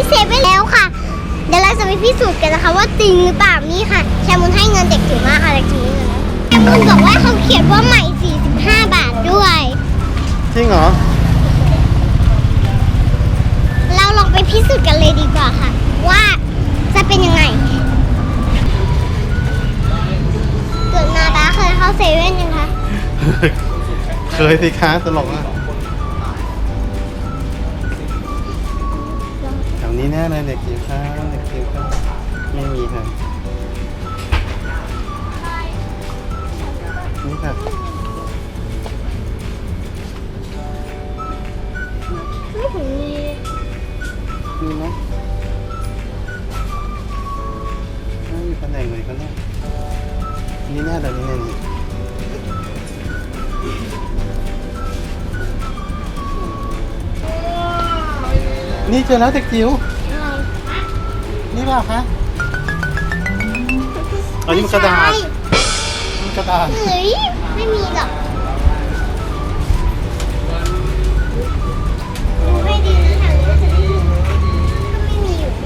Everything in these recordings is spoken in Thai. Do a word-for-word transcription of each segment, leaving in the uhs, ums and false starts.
เซเว่นแล้วค่ะเดี๋ยวเราจะไปพิสูจน์กันนะคะว่าจริงหรือเปล่านี่ค่ะแชมมุนให้เงินเด็กจิ๋วมากค่ะเด็กจิ๋วนี่เงินนะแชมมุนบอกว่าเขาเขียนว่าใหม่สี่สิบห้าบาทด้วยจริงเหรอเราลองไปพิสูจน์กันเลยดีกว่าค่ะว่าจะเป็นยังไงเกิดมาตาเคยเข้าเซเว่นยังคะเคยสิคะตลกอ่ะแถวนี้แน่เลยเด็กจิ๋วค่ะเด็กจิ๋วค่ะไม่มีค่ะนี่ค่ะไม่ถึงมีมีไหมไม่มีตำแหน่งเลยก็ได้นี่แน่เลยนี่แน่นี่นี่เจอแล้วเด็กจิ๋วนี่เปล่าคะอันนี้มันกระดาษมันกระดาษเฮ้ยไม่มีหรอกดูให้ดีนะแถวนี้จะไม่มีก็ไม่มีอยู่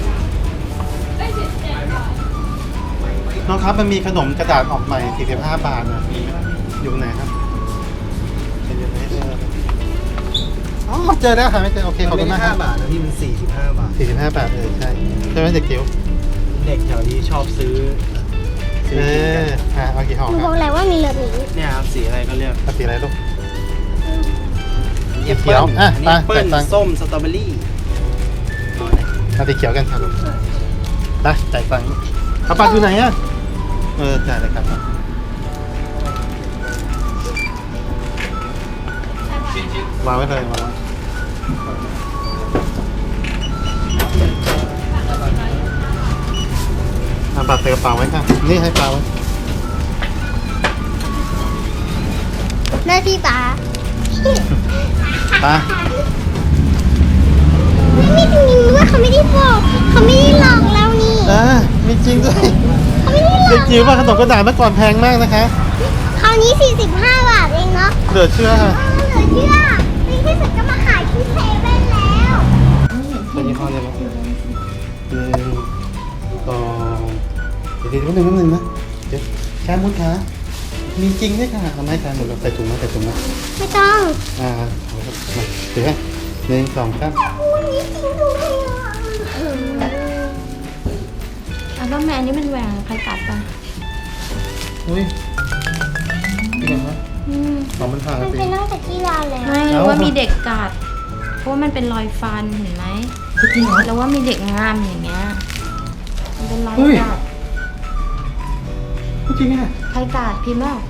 น้องครับมันมีขนมกระดาษออกใหม่สี่สิบห้าบาทนะมีไหมอยู่ไหนครับเจอไหมเจออ๋อเจอแล้วค่ะไม่เจอโอเคขอบคุณมากครับบาทนะพี่มันสี่สิบห้าบาทสี่สิบห้าบาทเออใช่ใช่ไหมเด็กจิ๋วเด็กแถวนี้ชอบซื้อซื้เออกินกันออ่ะเอากี่ห่อคุณคบรัอบกแล้วว่ามีแบบนี้เนี่ยครับสีอะไรก็เรียกเอาสีอะไรลูกแอปเขีเปิ้ยลวอ่ะอันนี้แอปไปเปิ้ลไปส้มสตรอเบอรี่เอาไหนเอาสีเขียวกันครับไปจ่ายตังค์เอาปัดอยู่ไหนอ่ะเออจ่ายเลยครับวางไว้เลยวางไว้เอาบัตรใส่กระเป๋าไว้ค่ะนี่ให้ปลาไว้หน้าที่ป๋าปลาไม่จริงด้วยเขาไม่ได้บอกเขาไม่ได้หลอกเรานี่อ่ามีจริงด้วยเขาไม่ได้หลเด็อก กจิ๋วว่าขนมกระดาษเมื่อก่อนแพงมากนะคะคราวนี้สี่สิบห้าบาทเองเนาะเหลือเชื่อค่ะเออเหลือเชื่อในที่สุดก็มาขายที่เซเว่นแล้วเป็นยี่ห้ออะไรบ้างหนึ่งสองเดี๋ยวเดี๋ยวนิดนึงนิดนึงนะเดี๋ยวแค่มุดขามีจริงด้วยค่ะทำให้แค่หมดเราใส่ถุงมาใส่ถุงมาไม่ต้องอ่าเอาครับมาเดี๋ยวให้หนึ่งสองสามวันนี้จริงด้วยอ่ะอัลบั้มแมนนี่มันแหวงใครตัดปะอุ้ยนี่ไงฮะอืมของมันผ่านมันสิเป็นตั้งแต่ที่ร้านแล้วไม่รู้ว่ามีเด็กกัดเพราะว่ามันเป็นรอยฟันเห็นไหมจริงเหรอแล้วว่ามีเด็กงามอย่างเงี้ยมันเป็นรอยกัดจริงอ่ะใครกัดพิมพ์ว่า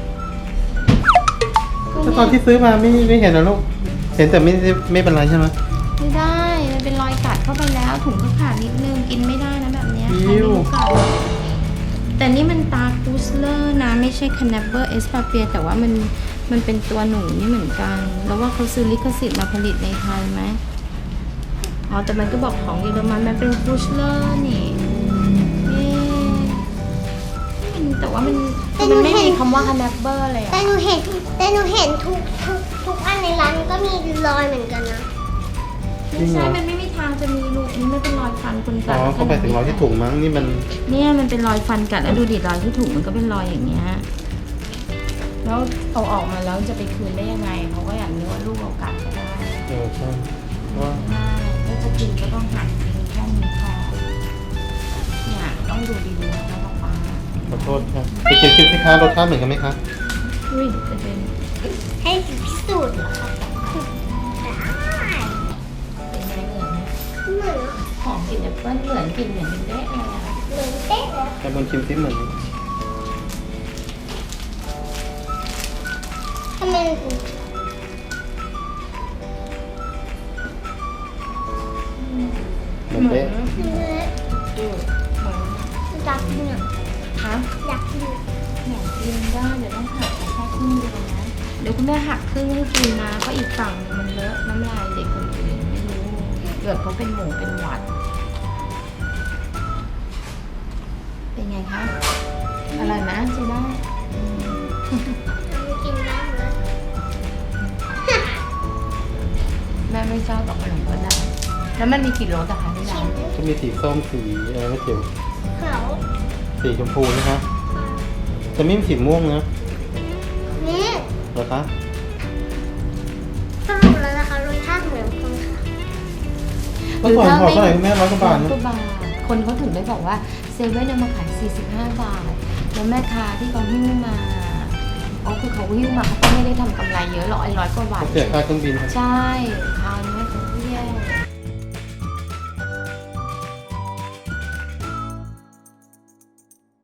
แล้วตอนที่ซื้อมาไม่ไม่เห็นนะลูกเห็นแต่ไม่ไม่เป็นไรใช่ไหมไม่ได้มันเป็นรอยกัดเข้าไปแล้วถุงก็ขาดนิดนึงกินไม่ได้นะแบบเนี้ยใครไม่รู้กัดแต่นี่มันตาคูสเลอร์นะไม่ใช่คานาเบอร์เอสปาเปียแต่ว่ามันมันเป็นตัวหนูนี่เหมือนกันแล้วว่าเขาซื้อลิขสิทธิ์มาผลิตในไทยไหมอ๋อแต่มันก็บอกของเยอรมันมันเป็นคูสเลอร์นี่เอ๊ะมันแต่ว่ามันมันไม่มีคำว่าคานาเบอร์เลยแต่อะหนูเห็นแต่หนูเห็นทุกทุกทุกอันในร้านก็มีรอยเหมือนกันนะไม่ใช่มันไม่มีทางจะมีลูกนี่ไม่เป็นรอยฟันคนกัอ๋ดอเข้าไปถึงร้อยที่ถุงมั้งนี่มันเนี่ยมันเป็นรอยฟันกัดแล้วดูดิรอยที่ถุงมันก็เป็นรอยอย่างเงี้ยแล้วเอาออกมาแล้วจะไปคืนได้ยังไงเขาก็อย่างนี้ว่าลูกเรากัดก็ได้เออใช่ว่าได้แล้วจะกินก็ต้องหั่นกินแค่นี้พอเนี่ยต้องดูดีๆนะคะป๊าป๊าขอโทษครับไปกินคิดสิคะรสชาติเหมือนกันไหมคะอุ้ยจะเป็นให้พิสูจน์เหรอคะได้เป็นไงเหมือนไหมเหมือนหอมกลิ่นแอปเปิ้ลเหมือนกลิ่นเหมือนเป็นเด๊ะเลยอะเหมือนเป๊ะเลยแต่บนชิมซิเหมือนทำไมเหมือนเป๊ะถึงเละดูเหมือนอยากกินอ่ะคะอยากกินอยากกินได้เดี๋ยวต้องหักแค่ครึ่งเดียวนะเดี๋ยวคุณแม่หักครึ่งให้กินนะเพราะอีกฝั่งนึงมันเลอะน้ำลายเด็กคนอื่นไม่รู้เกิดเขาเป็นหมูเป็นหวัดเป็นไงคะอร่อยไหมใช้ได้กินได้เลยแม่ไม่ชอบบอกขนมก็ได้อแล้วมันมีกี่รสอะคะที่ร้านก็มีสีส้มสีอะไรไม่เกี่ยวเขาสีชมพูนะคะแต่ไม่มีสีม่วงนะนี่เหรอคะสรุปแล้วนะคะรสชาติเหมือนกันค่ะเมื่อก่อนพอเท่าไหร่คุณแม่ร้อยกว่าบาทร้นะอยกว่าบาท คนเขาถึงได้บอกว่าเซเว่นเอามาขายสี่สิบห้าบาท แล้วแม่ค้าที่เขาหิ้วมาอ๋อคือเขาหิ้วมาเขาก็ไม่ได้ทำกำไรเยอะหรอกไอ้ร้อยกว่าบาทเสียค่าเครื่องบินครับใช่คราวนี้